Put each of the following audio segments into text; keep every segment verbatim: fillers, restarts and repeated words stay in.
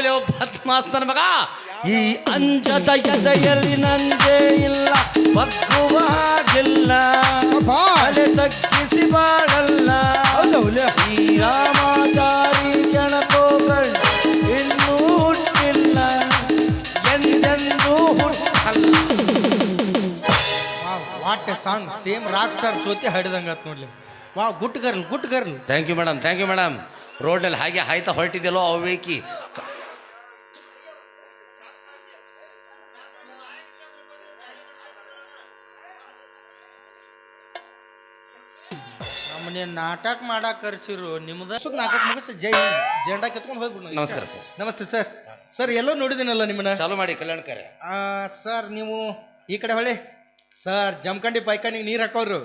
ಬದ್ಮಾಸ್ತನ ಮಗ ಈ ಅಂಜದ ಎದೆಯಲ್ಲಿ ನಂದೇ ಇಲ್ಲ ಬಗ್ಗುವ ಹಾಗಿಲ್ಲ ತಲೆ ತಗ್ಗಿಸಿ ಬಾಳಲ್ಲ ಈ ರಾಮಾಚಾರಿ ಜನಕೋಗಳು ಇನ್ನೂ ಹುಟ್ಟಿಲ್ಲ ಎಂದೆಂದೂ ಹುಟ್ಟಲ್ಲ. What a song same rock star ಜೊತೆ ಹಾಡಿದಂಗತ್ ನೋಡ್ಲಿ. ವಾ good girl good girl. Thank you madam thank you madam. ರೋಡ್ನಲ್ಲಿ ಹಾಗೆ ಹಾಯ್ತಾ ಹೊರಟಿದ್ಯಲ್ಲೋ ಅವೇಕಿ ನಮ್ಮನೆ ನಾಟಕ ಮಾಡಾಕ ಕರ್ಸಿರು ನಿಮ್ದ ನಾಟಕ ಮುಗಿಸ್ ಜೈ ಜೆಂಡಾ ಕೆತ್ಕೊಂಡು ಹೋಗ್ಬಿಡು. ನಮಸ್ಕಾರ ಸರ್. ನಮಸ್ತೆ ಸರ್. ಸರ್ ಎಲ್ಲೋ ನೋಡಿದ್ದೀನಲ್ಲ ನಿಮ್ಮನ್ನ. ಚಾಲು ಮಾಡಿ ಕಲ್ಯಾಣಕರೆ. ಸರ್ ನೀವು ಈ ಕಡೆ ಹೊಳೆ ಸರ್ ಜಮಖಂಡಿ ಪೈಖಾನಿಗೆ ನೀರು ಹಾಕೋರು.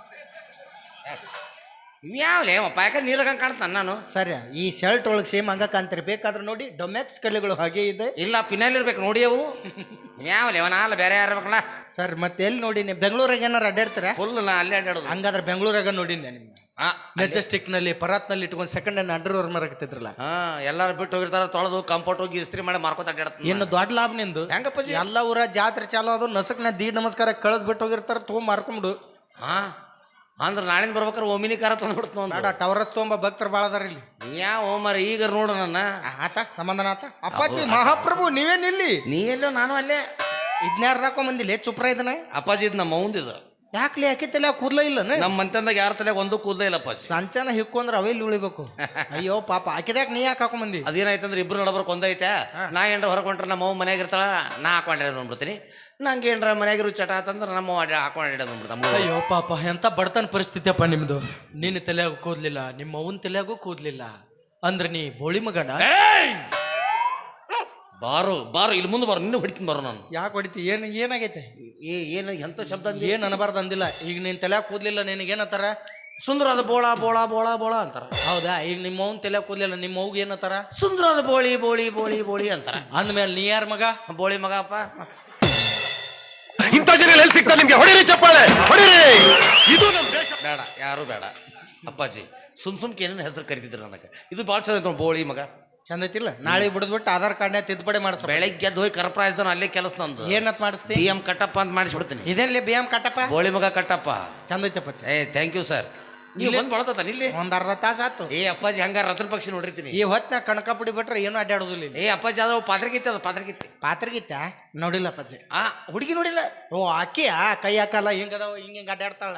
ಯಾವ್ಲೇ ಪಾಯಕ ನೀರಾಗ ಕಾಣ್ತಾನ ನಾನು. ಸರಿ ಈ ಶರ್ಟ್ ಒಳಗೆ ಸೇಮ್ ಹಂಗ ಕಾಣ್ತಾರೆ. ಬೇಕಾದ್ರೆ ನೋಡಿ ಡೊಮ್ಯಾಕ್ಸ್ ಕಲೆಗಳು ಹಾಗೆ ಇದೆ. ಇಲ್ಲ ಪಿನಲ್ಲಿ ಇರ್ಬೇಕು ನೋಡಿ ಅವು. ಯಾವ್ಲೇ ಅವನಾಲ ಬೇರೆ ಯಾರಬೇಕಲ್ಲ ಸರ್ ಮತ್ತೆ ಎಲ್ಲಿ ನೋಡಿನಿ ಬೆಂಗಳೂರಾಗ ಏನಾರು ಅಡ್ಡಾಡ್ತಾರ ಫುಲ್ ನಾ ಅಲ್ಲೇ ಅಡ್ಡಾಡೋದು. ಹಂಗಾದ್ರೆ ಬೆಂಗಳೂರಾಗ ನೋಡಿನಿ ನಿಮ್ಮ ಮೆಜೆಸ್ಟಿಕ್ ನಲ್ಲಿ ಪರಾತ್ನಲ್ಲಿ ಇಟ್ಕೊಂಡು ಸೆಕೆಂಡ್ ಹ್ಯಾಂಡ್ ಅಂಡರ್ ಓವರ್ ಮರಕತ್ತಿದ್ರಲ್ಲ. ಹಾ ಎಲ್ಲಾರು ಬಿಟ್ಟು ಹೋಗಿರ್ತಾರ ತೊಳೆದು ಕಂಫರ್ಟ್ ಹೋಗಿ ಇಸ್ತ್ರಿ ಮಾಡಿ ಮಾರ್ಕೋತ ಅಡ್ಡಾಡ್ತಾನೆ. ಇನ್ನು ದೊಡ್ಡ ಲಾಭ ನಿಂದು. ಹೆಂಗಪ್ಪಾಜಿ ಎಲ್ಲ ಊರ ಜಾತ್ರೆ ಚಾಲು ಅದು ನಸಕ್ನ ದೀಡ್ ನಮಸ್ಕಾರ ಕಳೆದ್ ಬಿಟ್ಟು ಹೋಗಿರ್ತಾರ ತೊಗೊಂಡ್ ಮಾರ್ಕೊಂಡು. ಹಾ ಅಂದ್ರೆ ನಾಳಿನ ಬರ್ಬೇಕಾರೆ ಒಮಿನಿ ಕಾರ ತಂದ್ಬಿಡ್ತು ಬೇಡ ಟವರಸ್ ತೊಗೊಂಬ ಭಕ್ತರು ಭಾಳ ಅದಾರ ಇಲ್ಲಿ. ಯಾವ ಓಮರ್ ಈಗ ನೋಡು ನನ್ನ ಆತ ಸಮಾಧಾನ ಆತ. ಅಪ್ಪಾಜಿ ಮಹಾಪ್ರಭು ನೀವೇನಿಲ್ಲಿ? ನೀ ಎಲ್ಲೋ ನಾನು ಅಲ್ಲೇ ಇದ್ನ್ಯಾರ ಹಾಕೊಂಡ್ ಬಂದಿಲ್ಲ ಚುಪ್ರ ಇದನ್ನ. ಅಪ್ಪಾಜಿ ಇದು ನಮ್ಮ ಅವಂದಿದು. ಯಾಕ್ಲಿ ಯಾಕೆ ತಲೆ ಕೂದ್ಲ ಇಲ್ಲ ನಮ್ಮ ಮಂತಂದಾಗ ಯಾರ ತಲೆ ಒಂದು ಕೂದಲೇ ಇಲ್ಲ ಅಪ್ಪಾಜಿ. ಸಂಚಾನ ಹಿಕ್ಕೊಂಡ್ರೆ ಅವೆಲ್ಲಿ ಉಳಿಬೇಕು. ಅಯ್ಯೋ ಪಾಪ ಆಕಿದ್ಯಾಕ ನೀ ಯಾಕೆ ಹಾಕೊಂಡ್ ಬಂದಿ? ಅದೇನಾಯ್ತಂದ್ರೆ ಇಬ್ರು ನಡಬರ್ಕ್ ಒಂದೈತೆ. ನಾ ಏನ್ರ ಹೊರಕೊಂಡ್ರೆ ನಮ್ಮ ಅವ್ವ ಮನ್ಯಾಗ ಇರ್ತಾಳ, ನಾ ಹಾಕೊಂಡ್ರೆ ಬಂದ್ಬಿಡ್ತೀನಿ. ನಂಗೆ ಏನ್ರ ಮನ್ಯಾಗಿರು ಚಟ ಅಂತಂದ್ರೆ ನಮ್ಮ ಹಾಕೊಂಡ್ ಬಂದ್ಬಿಡ್ತಾನ. ಅಯ್ಯೋ ಪಾಪ ಎಂತ ಬಡತನ ಪರಿಸ್ಥಿತಿ ಅಪ್ಪ ನಿಮ್ದು. ನಿನ್ನ ತಲೆಯಾಗೂ ಕೂದ್ಲಿಲ್ಲ, ನಿಮ್ಮ ಅವನ ತಲೆಯಾಗೂ ಕೂದ್ಲಿಲ್ಲ ಅಂದ್ರೆ ನೀ ಬೋಳಿ ಮಗನ. ಬಾರು ಬಾರು ಇಲ್ಲಿ ಮುಂದೆ ಬಾರು, ನಿನ್ನ ಹೊಡಿತೀನಿ ಬಾರು ನಾನು. ಯಾಕೆ ಹೊಡಿತಿ? ಏನ್ ಏನಾಗೈತೆ? ಏ ಏನು ಎಂತ ಶಬ್ದ ಏನ್ ಅನಬಾರ್ದು ಅಂದಿಲ್ಲ. ಈಗ ನಿನ್ ತಲೆಯಾಗ ಕೂದ್ಲಿಲ್ಲ ನಿನಗೇನತ್ತಾರ? ಸುಂದರವಾದ ಬೋಳ ಬೋಳ ಬೋಳ ಬೋಳ ಅಂತಾರ. ಹೌದಾ? ಈಗ ನಿಮ್ಮ ಅವ್ನ ತಲೆಯಾಗ ಕೂದ್ಲಿಲ್ಲ, ನಿಮ್ಮ ಅವ್ಗೆ ಏನತ್ತಾರ? ಸುಂದರವಾದ ಬೋಳಿ ಬೋಳಿ ಬೋಳಿ ಬೋಳಿ ಅಂತಾರ. ಅಂದ್ಮೇಲೆ ನೀ ಯಾರ ಮಗ? ಬೋಳಿ ಮಗ ಅಪ್ಪ. ಇಂಥ ಜನ ಎಲ್ಲಿ ಸಿಗ್ತಾರೆ ನಿಮ್ಗೆ? ಹೊಡಿರಿ ಚಪ್ಪಾಳೆ ಹೊಡಿರಿ. ಇದು ನಮ್ಮ ದೇಶ. ಬೇಡ ಯಾರು ಬೇಡ ಅಪ್ಪಾಜಿ. ಸುಮ್ ಸುಮ್ಕೆ ಏನೇನು ಹೆಸರು ಕರಿತಿದ್ರು ನನಗೆ. ಇದು ಭಾಳ ಚಂದ ಬೋಳಿ ಮಗ. ಚಂದ ಐತಿಲ್ಲ? ನಾಳೆ ಬಿಡದ್ಬಿಟ್ಟು ಆಧಾರ್ ಕಾರ್ಡ್ನ ತಿದ್ದುಪಡಿ ಮಾಡ್ಸ. ಬೆಳಗ್ಗೆ ಎದ್ದು ಹೋಗಿ ಕರ್ಪ್ರಾಯ್ಸ್ದನ ಅಲ್ಲೇ ಕೆಲಸ ನಂದು. ಏನತ್ ಮಾಡಿಸ್ತಿ? ಬಿ ಎಂ ಕಟ್ಟಪ್ಪ ಅಂತ ಮಾಡಿಸ್ಬಿಡ್ತೀನಿ. ಇದೇನ್ಲಿ ಬಿ ಎಂ ಕಟ್ಟಪ್ಪ? ಬೋಳಿ ಮಗ ಕಟ್ಟಪ್ಪ. ಚಂದ ಐತಪ್ಪ. ಏ ಥ್ಯಾಂಕ್ ಯು ಸರ್. ನೀವು ಬಂದು ಬಳತಾನ ಇಲ್ಲಿ ಒಂದ್ ಅರ್ಧ ತಾಸ ಆತು. ಏ ಅಪ್ಪಾಜಿ ಹಂಗಾರ ರತನ್ ಪಕ್ಷಿ ನೋಡಿರ್ತೀನಿ. ಈ ಹೊತ್ನ ಕಣಕಾಪುಡಿ ಬಿಟ್ರೆ ಏನು ಅಡ್ಡಾಡೋದಿಲ್ಲ. ಏ ಅಪ್ಪಾಜಿ ಅದ ಪಾತ್ರಗಿತ್ತೆ, ಅದು ಪಾತ್ರಗಿತ್ತೆ. ಪಾತ್ರಗಿತ್ತ ನೋಡಿಲ್ಲ ಅಪ್ಪಾಜಿ. ಆ ಹುಡುಗಿ ನೋಡಿಲ್ಲ. ಓ ಆಕಿಯ ಕೈ ಹಾಕಲ್ಲ ಹಿಂಗದಾವ ಹಿಂಗ ಹಿಂಗ ಅಡ್ಡಾಡ್ತಾಳ.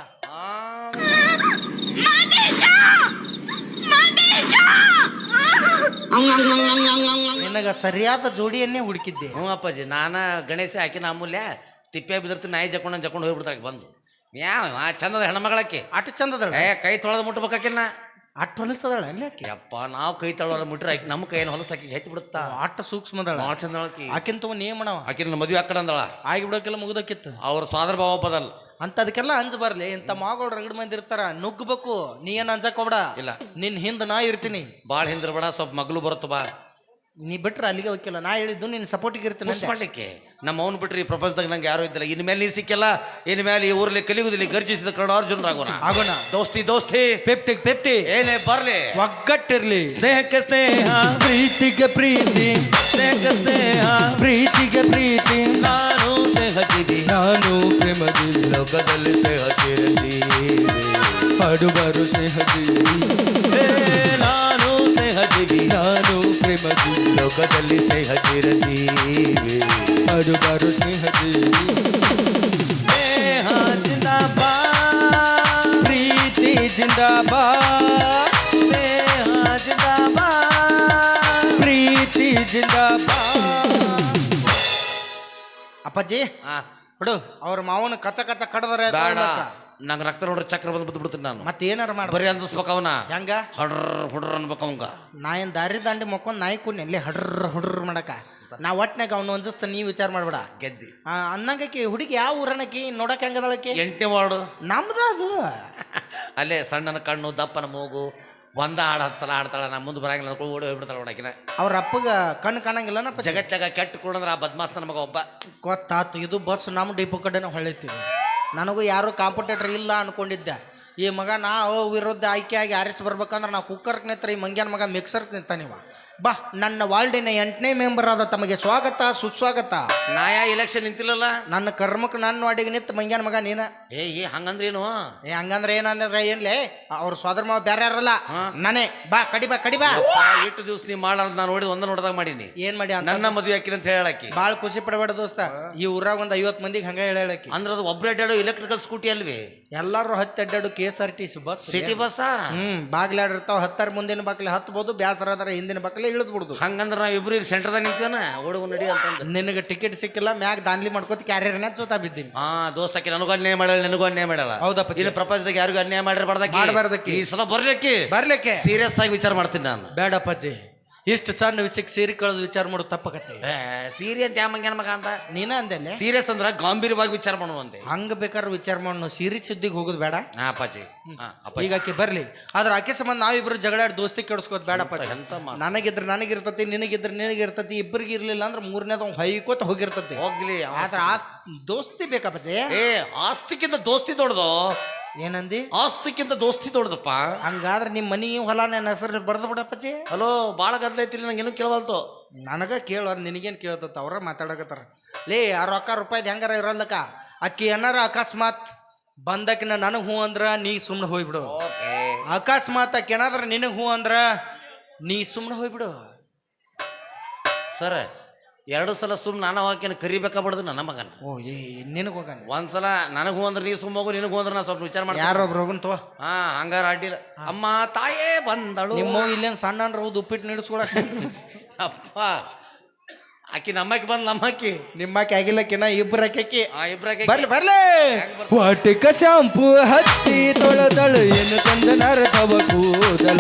ನಿನಗ ಸರಿಯಾದ ಜೋಡಿಯನ್ನೇ ಹುಡುಕಿದ್ದೆ. ಹ್ಞೂ ಅಪ್ಪಾಜಿ. ನಾನ ಗಣೇಶ ಆಕಿನ ಅಮೂಲ್ಯ ತಿಪ್ಪೆ ಬಿದಿರ್ತೀನಿ, ನಾಯಿ ಜಕೊಂಡು ಜಕೊಂಡು ಹೋಗ್ಬಿಡ್ತಾಳೆ ಬಂದು. ಯಾವ ಚಂದದ ಹೆಣ್ಮಗಳಕ್ಕೆ ಅಟ್ ಚಂದದಳ. ಏ ಕೈ ತೊಳೆದ ಮುಟ್ಬೇಕಾಕಿನ್ನ ಅಟ್ ಹೊಲಸದಳ ಅಲ್ಲಿ ಆಕೆ. ಯಪ್ಪ ನಾವು ಕೈ ತೊಳೋದ ಮುಟ್ರೆ ಆಕಿ ನಮ್ಮ ಕೈಯನ್ನು ಹೊಲಸಾಕಿ ಹೆಚ್ಚು ಬಿಡುತ್ತಾ. ಅಟ್ಟ ಸೂಕ್ಷ್ಮದಳ, ಭಾಳ ಚಂದ ಆಕಿ. ಆಕಿನ್ ತಗೋ ನೇಮಣವ. ಆಕಿನ ಮದುವೆ ಆಕಡೆ ಅಂದಳ ಆಗಿ ಬಿಡೋಕೆಲ್ಲ ಮುಗ್ದಕ್ಕಿತ್ತು. ಅವ್ರ ಸ್ವಾದರ ಭಾವ ಬದಲ್ ಅಂತ ಅದಕ್ಕೆಲ್ಲ ಅಂಜ ಬರ್ಲಿ. ಇಂಥ ಮಾಗಳು ರಗಡ್ ಮಂದಿ ಇರ್ತಾರ, ನುಗ್ಗಬೇಕು. ನೀ ಏನ್ ಅಂಜಕ್ ಹೋಗ್ಬೇಡ. ಇಲ್ಲ ನಿನ್ ಹಿಂದ ನಾ ಇರ್ತೀನಿ. ಭಾಳ ಹಿಂದಿರ್ಬೇಡ, ಸ್ವಲ್ಪ ಮಗ್ಳು ಬರುತ್ತ ಬಾ. ನೀ ಬಿಟ್ರೆ ಅಲ್ಲಿಗೆ ಹೋಗಿಲ್ಲ. ನಾ ಹೇಳಿದ್ದು ನಿನ್ ಸಪೋರ್ಟಿಗೆ ಇರ್ತೀನಿ ಮಾಡ್ಲಿಕ್ಕೆ. ನಮ್ಮ ಅವ್ನು ಬಿಟ್ರಿ ಈ ಪ್ರಪಂಚದಾಗ ನಂಗೆ ಯಾರು ಇದ್ದಿಲ್ಲ. ಇನ್ ಮೇಲೆ ನೀ ಸಿಕ್ಕಿಲ್ಲ, ಇನ್ ಮೇಲೆ ಈ ಊರಲ್ಲಿ ಕಲಿಯುವುದಿಲ್ಲ. ಗರ್ಜಿಸಿದ ಕನ್ನಡ ಅರ್ಜುನರಾಗೋಣ. ಆಗೋಣ. ದೋಸ್ತಿ ದೋಸ್ತಿ ಪೆಪ್ಟಿ ಪೆಪ್ಟಿ ಏನೇ ಬರ್ಲಿ, ಒಗ್ಗಟ್ಟಿರ್ಲಿ. ಸ್ನೇಹಕ್ಕೆ ಸ್ನೇಹ, ಪ್ರೀತಿಗೆ ಪ್ರೀತಿ, ಸ್ನೇಹಕ್ಕೆ ಸ್ನೇಹ, ಪ್ರೀತಿಗೆ ಪ್ರೀತಿ. ನಾನು ಸ್ನೇಹದಿನಿ, ನಾನು ಪ್ರೇಮದಿ, ಲೋಕದಲ್ಲಿ ಸ್ನೇಹದಿರಲಿ. ಹಾಡುಗಾರು ಸ್ನೇಹದಿನಿ, ನಾನು ಸ್ನೇಹದಿನಿ, ನಾನು ಪ್ರೇಮದಿ, ಲೋಕದಲ್ಲಿ ಸ್ನೇಹದಿರಲಿ. ಹಾಡುಗಾರು ಸ್ನೇಹದಿನಿ. ಸ್ನೇಹ ಜಿಂದಾಬಾದ್, ಪ್ರೀತಿ ಜಿಂದಾಬಾದ್, ಸ್ನೇಹ ಜಿಂದಾಬಾದ್, ಪ್ರೀತಿ ಜಿಂದಾಬಾದ್. ಅಪ್ಪಾಜಿ ಆ ಬಿಡು, ಅವ್ರ ಮಾವನ ಕಚ್ಚ ಕಚ್ಚ ಕಡದರೆ ಬೇಡ. ನಂಗೆ ರಕ್ತ ನೋಡ್ರಿ ಚಕ್ರ ಬಂದು ಬಿದ್ದು ಬಿಡ್ತೀನಿ ನಾನು. ಮತ್ತೆ ಏನಾರ ಮಾಡ ಬರೀ ಅಂದಿಸ್ಬೇಕ ಅವನ. ಹೆಂಗ ಹಡ್ರ ಹುಡ್ರ ಅನ್ಬೇಕು ಅವಂಗ. ನಾ ಏನ್ ದಾರಿ ದಾಂಡಿ ಮಕ್ಕೊಂಡ್ ನಾಯಿ ಕೂನಿ ಅಲ್ಲಿ ಹಡ್ರ ಹುಡ್ರ ಮಾಡಕ. ನಾ ಒಟ್ನಾಗ ಅವ್ನು ಅನ್ಸಿಸ್ತ ನೀ ವಿಚಾರ ಮಾಡ್ಬೇಡ. ಗೆದ್ದಿ ಅನ್ನಂಗಕಿ ಹುಡುಗಿ ಯಾವ ಊರನಕಿ ನೋಡಕ್ ಹೆಂಗದಳಕಿ? ಎಂಟನೇ ವಾರ್ಡು ನಮ್ದ ಅದು. ಅಲ್ಲೇ ಸಣ್ಣನ ಕಣ್ಣು ದಪ್ಪನ ಮೂಗು, ಒಂದ ಹಾಡು ಹತ್ತು ಸಲ ಹಾಡ್ತಾಳ. ನಾ ಮುಂದೆ ಬರಂಗಿಲ್ಲ ಓಡಿ ಹೋಗ್ಬಿಡ್ತಾಳ ನೋಡಕಿನ. ಅವ್ರ ಅಪ್ಪಗ ಕಣ್ಣು ಕಾಣಂಗಿಲ್ಲನಪ್ಪ. ಜಗತ್ತಾಗ ಕೆಟ್ಟ ಕೊಡಂದ್ರ ಆ ಬದ್ಮಾಸ್ ನನ್ನ ಮಗ ಒಬ್ಬ. ಗೊತ್ತಾತು. ಇದು ಬಸ್ ನಮ್ಮ ಡಿಪೋ ಕಡೆನ ಹೊಳಿತೀವಿ. ನನಗೂ ಯಾರು ಕಾಂಪಿಟೇಟರ್ ಇಲ್ಲ ಅನ್ಕೊಂಡಿದ್ದೆ. ಈ ಮಗ ನಾವು ವಿರುದ್ಧ ಆಯ್ಕೆಯಾಗಿ ಆರಿಸಿ ಬರ್ಬೇಕಂದ್ರೆ ನಾವು ಕುಕ್ಕರ್ಗೆ ನಿಂತ್ರ ಈ ಮಂಗ್ಯಾನ ಮಗ ಮಿಕ್ಸರ್ಗೆ ನಿಂತಾನಿವ. ಬಾ, ನನ್ನ ವಾರ್ಡಿನ ಎಂಟನೇ ಮೆಂಬರ್ ಆದ ತಮಗೆ ಸ್ವಾಗತ ಸುಸ್ವಾಗತ. ನಾಯಾ ಇಲೆಕ್ಷನ್ ನಿಂತಿಲ್ಲಲ್ಲ. ನನ್ನ ಕರ್ಮಕ್ಕೆ ನನ್ನ ವಾರ್ಡಿಗೆ ನಿಂತ ಮಂಗ್ಯಾನ ಮಗ ನೀನ. ಏ ಏ ಹಂಗಂದ್ರೇನು? ಏ ಹಂಗಂದ್ರೆ ಏನಂದ್ರೆ ಏನ್ಲೇ, ಅವ್ರ ಸ್ವಾದರ ಮಾವ ಬೇರೆ ಯಾರಲ್ಲ, ನಾನೇ. ಬಾ ಕಡಿ ಬಾ ಕಡಿ ಬಾ. ಎಷ್ಟು ದಿವಸ ನೀ ಮಾಡಲ್ಲ ನಾನು ನೋಡಿ ಒಂದ ನೋಡ್ದಾಗ ಮಾಡೀನಿ. ಏನ್ ಮಾಡಿ ಅಂತ ನನ್ನ ಮದುವೆ ಹಾಕಿನ ಅಂತ ಹೇಳಾಕಿ ಭಾಳ ಖುಷಿ ಪಡಬೇಡ ದೋಸ್ತ. ಈ ಊರಾಗ ಒಂದ್ ಐವತ್ ಮಂದಿಗೆ ಹಂಗ ಹೇಳಾಕಿ. ಅಂದ್ರೆ ಅದು ಒಬ್ರು ಅಡ್ಡಾಡೋ ಎಲೆಕ್ಟ್ರಿಕಲ್ ಸ್ಕೂಟಿ ಅಲ್ವಿ? ಎಲ್ಲಾರು ಹತ್ತಿ ಅಡ್ಡಾಡು K S R T C bus, city bus. Hmm ಬಾಗ್ಲಾಡಿರ್ತಾವ. ಹತ್ತಾರ ಮುಂದಿನ ಬಾಕ್ಲೆ ಹತ್ಬೋದು, ಬ್ಯಾಸರ ಅದಾರ ಹಿಂದಿನ ಬಾಕ್ಲೆ ಇಳಿದ್ ಬಿಡುದು. ಹಂಗಂದ್ರೆ ನಾವ್ ಇಬ್ರು ಈಗ ಸೆಂಟರ್ದಾಗ ನಿಂತೇನ ಓಡುಗು ನಡಿ ಅಂತಂದ. ನಿನಗೆ ಟಿಕೆಟ್ ಸಿಕ್ಕಿಲ್ಲ, ಮ್ಯಾಗ ದಾನ್ಲಿ ಮಾಡ್ಕೋತ ಕ್ಯಾರಿಯರ್ನ ಜೋತಾ ಬಿದ್ದೀನಿ. ಹಾ ದೋಸ್ತಕ್ಕೆ ನನಗೂ ಅನ್ಯಾಯ ಮಾಡಲ್ಲ, ನನಗೂ ಅನ್ಯಾಯ ಮಾಡಲ್ಲ. ಹೌದಪ್ಪ. ಇಲ್ಲಿ ಪ್ರಪಂಚದಾಗ ಯಾರಿಗೂ ಅನ್ಯಾಯ ಮಾಡಿರ್ಬಾರ್ದಕ್ಕೆ ಮಾಡ್ಬಾರ್ದಕ್ಕೆ. ಈ ಸಲ ಬರ್ಲಿಕ್ಕೆ ಬರ್ಲಿಕ್ಕೆ ಸೀರಿಯಸ್ ಆಗಿ ವಿಚಾರ ಮಾಡ್ತೀನಿ ನಾನು. ಬೇಡಪ್ಪಾಜಿ, ಇಷ್ಟು ಸಣ್ಣ ವಿಷಯಕ್ಕೆ ಸೇರಿ ಕಳೆದು ವಿಚಾರ ಮಾಡೋದು ತಪ್ಪಕತ್ತೆ. ಸೀರಿ ಅಂತ ಯಾವ ಮಂಗ್ಯಾನ ಮಗ ಅಂತ ನೀನ ಅಂದೆಲ್ಲ. ಸೀರಿಯಸ್ ಅಂದ್ರ ಗಂಭೀರವಾಗಿ ವಿಚಾರ ಮಾಡುವಂತೆ. ಹಂಗ ಬೇಕಾದ್ರೆ ವಿಚಾರ ಮಾಡೋ, ಸೀರಿ ಸುದ್ದಿಗೆ ಹೋಗೋದು ಬೇಡ. ಹಾ ಅಪ್ಪಾಜಿ. ಹಾ, ಅಪ್ಪಾಜಿ. ಈಗ ಆಕೆ ಬರ್ಲಿ, ಆದ್ರೆ ಆಕೆ ಸಂಬಂಧ ನಾವಿಬ್ರು ಜಗಳಾಡಿ ದೋಸ್ತಿ ಕೆಡಿಸ್ಕೋದ್ ಬೇಡಪ್ಪ. ಎಂತ ಮಾತು? ನನಗಿದ್ರೆ ನನಗಿರ್ತತಿ, ನಿನಗಿದ್ರೆ ನಿನಗಿರ್ತತಿ, ಇಬ್ಬರಿಗೆ ಇರ್ಲಿಲ್ಲ ಅಂದ್ರೆ ಮೂರನೇದ ಹೈಕೋತ ಹೋಗಿರ್ತತಿ. ಹೋಗ್ಲಿ. ಆದ್ರೆ ಆಸ್ ದೋಸ್ತಿ ಬೇಕಪ್ಪಜೆ. ಏ ಆಸ್ತಿಕ್ಕಿಂತ ದೋಸ್ತಿ ದೊಡ್ಡದು. ಏನಂದಿ? ಆಸ್ತಿಕ್ಕಿಂತ ದೋಸ್ತಿ ದೊಡ್ಡದಪ್ಪ. ಹಂಗಾದ್ರೆ ನಿಮ್ಮ ಮನಿ ಹೊಲ ನನ್ನ ಹೆಸರು ಬರ್ದು ಬಿಡಪ್ಪಜಿ. ಹಲೋ, ಬಾಳ ಗದ್ಲ ಐತಿಲ್ಲ, ನಂಗೇನು ಕೇಳವಲ್ತು. ನನಗ ಕೇಳೋ, ನಿನಗೇನು ಕೇಳ್ತತ್ತ? ಅವ್ರ ಮಾತಾಡಕತ್ತಾರ. ಲೇ ಆ ರೊಕ್ಕ ರೂಪಾಯಿದ್ ಹೆಂಗಾರ ಇರಲ್ಲಕ್ಕ. ಅಕ್ಕಿ ಏನಾರ ಅಕಸ್ಮಾತ್ ಬಂದಕಿನ ನನಗೆ ಹೂ ಅಂದ್ರ ನೀ ಸುಮ್ಮನೆ ಹೋಗ್ಬಿಡು. ಅಕಸ್ಮಾತ್ ಅಕ್ಕಿ ಏನಾದ್ರ ನಿನಗೆ ಹೂ ಅಂದ್ರ ನೀ ಸುಮ್ಮನೆ ಹೋಗ್ಬಿಡು. ಸರ್, ಎರಡು ಸಲ ಸುಮ್ ನಾನು ಹಾಕೇನು ಕರಿಬೇಕಾಗ್ಬಾರ್ದು ನನ್ನ ಮಗನ. ಓ ಏ ನಿನಗೆ ಹೋಗ. ಒಂದ್ಸಲ ನನಗೆ ಹೂ ಅಂದ್ರೆ ನೀ ಸುಮ್ಮ ಹೋಗು, ನಿನಗೆ ಹೂ ಅಂದ್ರೆ ನಾ ಸ್ವಲ್ಪ ವಿಚಾರ ಮಾಡ್ತೀನಿ. ಯಾರೊಬ್ರು ಹೋಗನ್ ತೋ. ಹಾ ಹಂಗಾರ ಅಡ್ಡಿಲ್ಲ. ಅಮ್ಮ ತಾಯೇ ಬಂದಳು. ನಿಮ್ಮ ಇಲ್ಲೇನು ಸಣ್ಣ ಅನ್ರ ಹೌದು ಉಪ್ಪಿಟ್ಟು ನೀಡಿಸ್ಕೊಳಕ್. ಅಪ್ಪ, ಆಕಿ ನಮ್ಮಕ್ಕಿ ಬಂದ್ ನಮ್ಮಕ್ಕಿ ನಿಮ್ಮಕ್ಕೆ ಆಗಿಲ್ಲಕ್ಕಿನ ಇಬ್ಬರ ಅಕ್ಕಿ. ಆ ಇಬ್ರಾಕಿ ಬರ್ಲಿ ಬರ್ಲಿ. ವಾಟಿಕ ಶಾಂಪು ಹಚ್ಚಿ ತೊಳೆದಳು, ಏನು ತಂದ ನರಕವ ಕೂದಲ.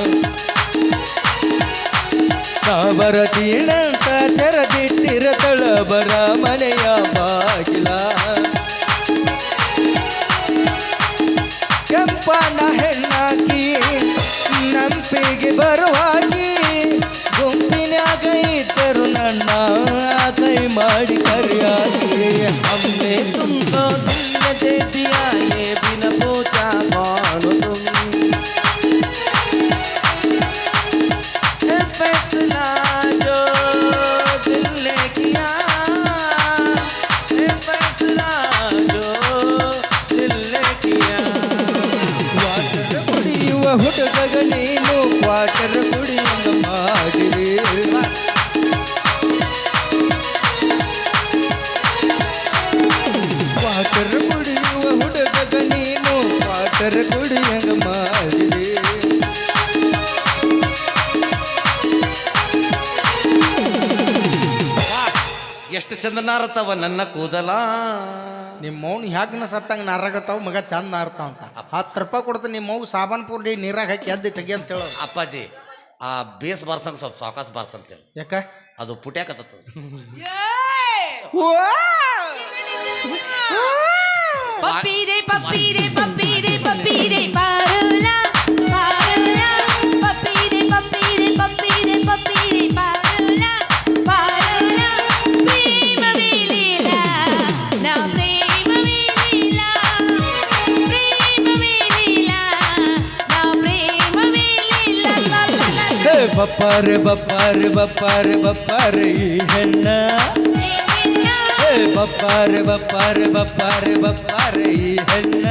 ಬರತೀನಂತ ತೆರದಿಟ್ಟಿರತಳ ಬರ ಮನೆಯ ಬಾಗಿಲ. ಕೆಂಪನ ಹೆಣ್ಣಾಕಿ ನಂಪಿಗೆ ಬರುವಾಗಿ, ಗುಂಪಿನಾಗ ಇದ್ದರು ನನ್ನ ಕೈ ಮಾಡಿ ಕರಿಯಾಗಿ. ಅಮ್ಮೆ ತುಂಬ ದಿಲ್ಲದೆ ದಿಯಾಯೇ ಬಿನ ಪೂಜಾ ಮಾಡು फैसला जो दिल ने किया, फैसला जो दिल ने किया. ವಾಟರ್ ಕುಡಿಯುವ ಹುಡುಗ ನೀನು, ವಾಟರ್ ಕುಡಿಯುವ ಮಾಡಿರಿ. ವಾಟರ್ ಕುಡಿಯುವ ಹುಡುಗ ನೀನು, ವಾಟರ್ ಕುಡಿಯಂಗ ಮಾಡಿರಿ. ಎಷ್ಟು ಚಂದ ನಾರತ್ತವ ನನ್ನ ಕೂದಲ. ನಿಮ್ಮ ಮೌನ್ ಹ್ಯಾಗನ ಸತ್ತಂಗ ನಾರಾಗತ್ತಾವ ಮಗ, ಚಂದ ನಾರ್ತಾವ ಅಂತ. ಹತ್ತು ರೂಪಾಯಿ ಕೊಡ್ತ ನಿಮ್ಮ ಮಗು ಸಾಬಾನ್ ಪೂರ್ಡಿ ನೀರಾಗ ಹಾಕಿ ಎದ್ದು ತೆಗಿ ಅಂತ ಹೇಳೋದು. ಅಪ್ಪಾಜಿ, ಆ ಬೇಸ್ ಬಾರ್ಸಂಗ್ ಸ್ವಲ್ಪ ಸಾವಕಾಶ ಬಾರ್ಸಂತೇಳಿ. ಯಾಕ? ಅದು ಪುಟ್ಯಾಕತ್ತ. ಪಪ್ಪೀರೆ ಪಪ್ಪೀರೆ ಪಪ್ಪೀರೆ ಪಪ್ಪೀರೆ ಪಾರುಲಾ ಪಾರುಲಾ, ಪಪ್ಪೀರೆ ಪಪ್ಪೀರೆ ಪಪ್ಪೀರೆ ಪಪ್ಪೀರೆ ಪಾರುಲಾ ಪಾರುಲಾ. ಪ್ರೇಮವೇ ಲೀಲಾ, ನಾ ಪ್ರೇಮವೇ ಲೀಲಾ, ಪ್ರೇಮವೇ ಲೀಲಾ, ನಾ ಪ್ರೇಮವೇ ಲೀಲಾ. ಬಪ್ಪಾರೆ ಬಪ್ಪಾರೆ ಬಪ್ಪಾರೆ ಬಪ್ಪಾರೆ ಈ ಹೆಣ್ಣ, ಬಪ್ಪಾರೆ ಬಪ್ಪಾರೆ ಬಪ್ಪಾರೆ ಬಪ್ಪಾರೆ ಈ ಹೆಣ್ಣ.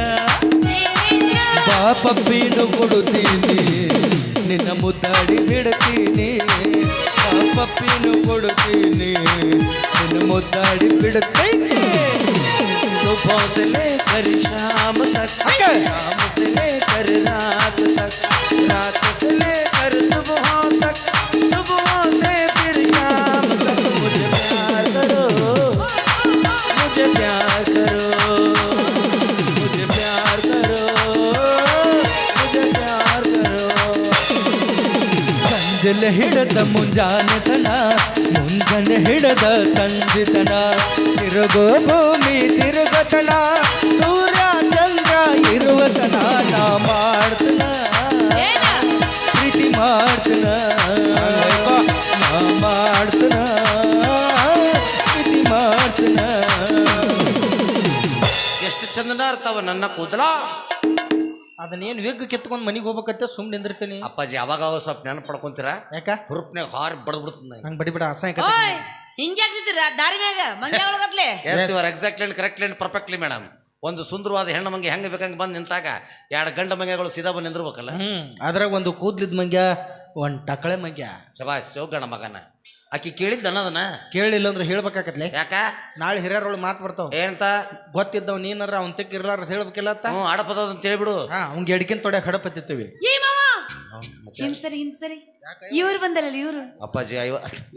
ಪಾಪಪ್ಪೀನು ಕೊಡುತ್ತೀನಿ, ನಿನ್ನ ಮುದ್ದಾಡಿ ಬಿಡ್ತೀನಿ. ಪಾಪಪ್ಪೀನು ಕೊಡುತ್ತೀನಿ, ನಿನ್ನ ಮುದ್ದಾಡಿ ಬಿಡುತ್ತೀನಿ. सुबह से लेकर शाम तक, शाम से लेकर रात तक, रात से लेकर सुबह तक, सुबह से फिर शाम तक. मुझे प्यार करो, मुझे प्यार करो, मुझे प्यार करो, मुझे प्यार करो. ಸಂಜೆಲೆ ಹಿಡದ ಮುಂಜಾನೆತನ, ಮುಂಜಾನೆ ಹಿಡದ ಸಂಜಿತನ, ತಿರುಗೋ ಭೂಮಿ ತಿರುಗತನ, ಸೂರ್ಯ ಚಂದ್ರ ಇರುವತನ. ನಾ ಮಾಡ್ತನ ಪ್ರೀತಿ ಮಾಡ್ತನ, ನಾ ಮಾಡ್ತನ ಪ್ರೀತಿ ಮಾಡ್ತನ. ಎಷ್ಟು ಚಂದ ನಾರ್ತಾವ ನನ್ನ ಕೂದಲ. ಅದನ್ನೇನು ವೇಗ ಕಿತ್ಕೊಂಡು ಮನೆಗೆ ಹೋಗ್ಬೇಕತ್ತೆ ಸುಮ್ಮನೆ ನಿಂದಿರ್ತೀನಿ. ಅಪ್ಪಾಜಿ ಅವಾಗ ಅವಾಗ ಸ್ವಲ್ಪ ನೆನಪು ಪಡ್ಕೊಂತೀರಾ? ಯಾಕ ಹುರುಪ್ನಾಗ ಹಾರಿ ಬಡ್ದು ಬಿಡ್ತೀನಿ. ಹಂಗೆ ಬಡಿ ಬಿಡ ಅಸಹ್ಯ ಓಯ್ ಹಿಂಗ್ಯಾಕ್ ನಿಂತಿರ ದಾರಿ ಮ್ಯಾಗ ಮಂಗ್ಯ ಒಳಗತ್ಲೆ yes your exactly and correctly and perfectly madam. ಒಂದು ಸುಂದರವಾದ ಹೆಣ್ಣು ಮಂಗೆ ಹೆಂಗೆ ಬೇಕಂಗೆ ಬಂದು ನಿಂತಾಗ ಎರಡು ಗಂಡ ಮಂಗೆಗಳು ಸೀದಾ ಬಂದು ನಿಂದಿರ್ಬೇಕಲ್ಲ. ಹ್ಮ್ ಅದ್ರಾಗ ಒಂದು ಕೂದ್ಲಿದ್ ಮಂಗ್ಯ ಒಂದ್ ಟಕಳೆ ಮಂಗ್ಯ. ಶಬಾಸ್ ಗಣ ಮಗನ. ಆಕಿ ಕೇಳಿದ್ದ ಅನ್ನೋದನ್ನ ಕೇಳಿಲ್ಲ ಅಂದ್ರೆ ಹೇಳ್ಬೇಕಾಕತ್ಲೆ. ಯಾಕ ನಾಳೆ ಹಿರಿಯರೊಳು ಮಾತು ಬರ್ತಾವ. ಏನಂತ? ಗೊತ್ತಿದ್ದವ್ ನೀನಾರ ಅವನ್ ತೆಕ್ ಇರ್ಲಾರ ಹೇಳ್ಬೇಕಿಲ್ಲ ಅಂತ. ಹ್ಞೂ ಆಡಪದ ಅಂತ ಹೇಳ್ಬಿಡು. ಹಾ ಅವ್ಗೆ ಎಡ್ಕಿನ್ ತೊಡೆ ಹಡಪತ್ತಿರ್ತೀವಿ. ಏ ಮಾವ ಹಿಂಸರಿ ಹಿಂಸರಿ ಇವ್ರು ಬಂದಲ್ಲ ಇವ್ರು. ಅಪ್ಪಾಜಿ ಐವ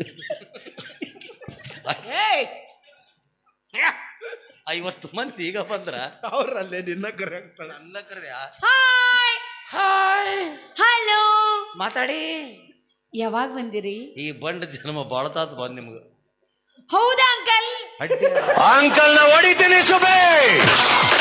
ಏಯ್ ಐವತ್ತು ಮಂದಿ ಈಗ ಬಂದ್ರ ಅವ್ರಲ್ಲೇ ನಿನ್ನ ಕರೆ ನನ್ನ ಕರೆದ್ಯಾ? ಹಾಯ್ ಹಾಯ್ ಹಲೋ ಮಾತಾಡಿ. ಯಾವಾಗ ಬಂದಿರಿ? ಈ ಬಂಡ ಜನ್ಮ ಬಾಳತಾತ್ ಬಂದ್ ನಿಮ್ಗೆ. ಹೌದಾ ಅಂಕಲ್? ಅಡ್ಡಿ ಅಂಕಲ್ನ ಹೊಡಿತೀನಿ ಸುಬೇ.